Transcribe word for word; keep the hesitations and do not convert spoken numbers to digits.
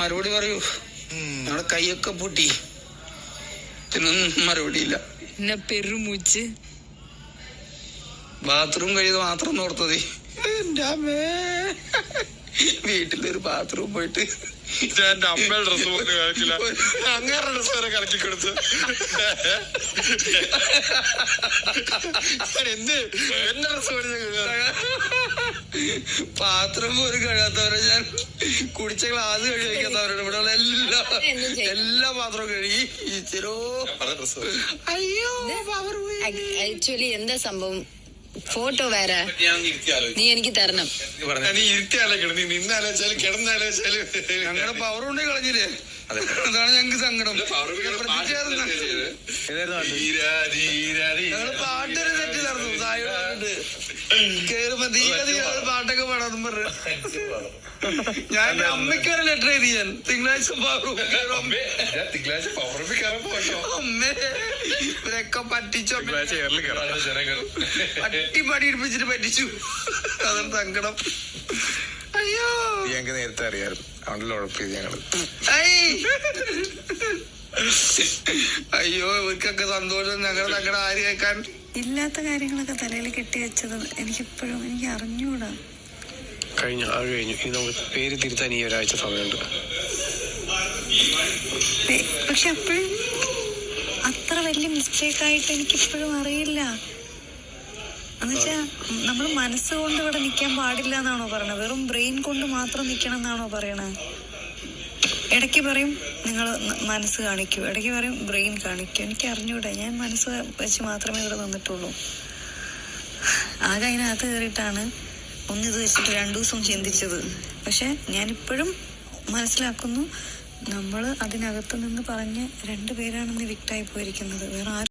മറുപടി പറയൂ. ഞങ്ങളുടെ കൈയൊക്കെ പൊട്ടി, ഇതിനൊന്നും മറുപടിയില്ല. എന്നെ പെരുമൂച്ച് ബാത്റൂം കഴിയത് മാത്രം നോർത്തതേ. എന്റെ അമ്മേ, വീട്ടിലൊരു ബാത്റൂം പോയിട്ട് എന്റെ അമ്മയുടെ ഡ്രസ് പോലും കളിക്കില്ല, അങ്ങനെ ഡ്രസ് വരെ കലക്കി കൊടുത്തു. എന്ത് എന്റെ ഡ്രസ് പാത്രം പോലും കഴിയാത്തവരെ, ഞാൻ കുടിച്ച ഗ്ലാസ് കഴുകി വയ്ക്കാത്തവരോട് ഇവിടെ എല്ലാ എല്ലാ പാത്രവും കഴുകി ഇച്ചിരോ. അയ്യോ ആക്ച്വലി എന്താ സംഭവം, ഫോട്ടോ വേറെ നീ എനിക്ക് തരണം. നീ ഇരുത്തിയാലോക്കണം, നീ നിന്നാലോചിച്ചാലും കിടന്നാലോചിച്ചാലും ഞങ്ങളുടെ പവർ കൊണ്ട് കളഞ്ഞില്ലേ, അതാണ് ഞങ്ങക്ക് സങ്കടം. ഞങ്ങള് പാട്ടൊരു തെറ്റ് നടന്നു, തായോട് കേറുമ്പോ ധീര ധീര പാട്ടൊക്കെ പാടാന്ന് പറഞ്ഞു. ഞാൻ എന്റെ അമ്മയ്ക്ക് ഒരു ലെറ്റർ എഴുതി, ഞാൻ തിങ്കളാഴ്ച തിങ്കളാഴ്ച അമ്മേ ഇവരൊക്കെ പറ്റിച്ചു, പട്ടി പടി ഇടിപ്പിച്ചിട്ട് പറ്റിച്ചു. അതാണ് സങ്കടം. അയ്യോ ഞങ്ങക്ക് നേരത്തെ അറിയാമായിരുന്നു, അതുകൊണ്ടല്ലോ ഉഴപ്പിയത് ഞങ്ങള്. അയ്യോ ഇവർക്കൊക്കെ സന്തോഷം, ഞങ്ങളുടെ ഞങ്ങളുടെ ആര് കേൾക്കാൻ. ഇല്ലാത്ത കാര്യങ്ങളൊക്കെ തലയിൽ കെട്ടി വെച്ചത് എനിക്കിപ്പോഴും എനിക്ക് അറിഞ്ഞൂടാ. കഴിഞ്ഞു, അത് കഴിഞ്ഞു. ഇനി നമുക്ക് പേര് തിരുത്താൻ ഈ ഒരാഴ്ച സമയമുണ്ട്. പക്ഷെ അപ്പോഴും അത്ര വലിയ മിസ്റ്റേക്ക് ആയിട്ട് എനിക്കിപ്പോഴും അറിയില്ല. എന്നുവെച്ചാ നമ്മൾ മനസ്സുകൊണ്ട് ഇവിടെ നിൽക്കാൻ പാടില്ല എന്നാണോ പറയണത്? വെറും ബ്രെയിൻ കൊണ്ട് മാത്രം നിൽക്കണം എന്നാണോ പറയണത്? ഇടയ്ക്ക് പറയും നിങ്ങൾ മനസ്സ് കാണിക്കൂ, ഇടയ്ക്ക് പറയും ബ്രെയിൻ കാണിക്കൂ. എനിക്ക് അറിഞ്ഞൂടെ, ഞാൻ മനസ്സ് വെച്ച് മാത്രമേ ഇവിടെ നിന്നിട്ടുള്ളൂ. ആകെ അതിനകത്ത് കയറിയിട്ടാണ് ഒന്നിത് വെച്ചിട്ട് രണ്ടു ദിവസം ചിന്തിച്ചത്. പക്ഷെ ഞാനിപ്പോഴും മനസ്സിലാക്കുന്നു, നമ്മൾ അതിനകത്ത് നിന്ന് പറഞ്ഞ് രണ്ടുപേരാണെന്ന് വിക്റ്റായി പോയിരിക്കുന്നത്, വേറെ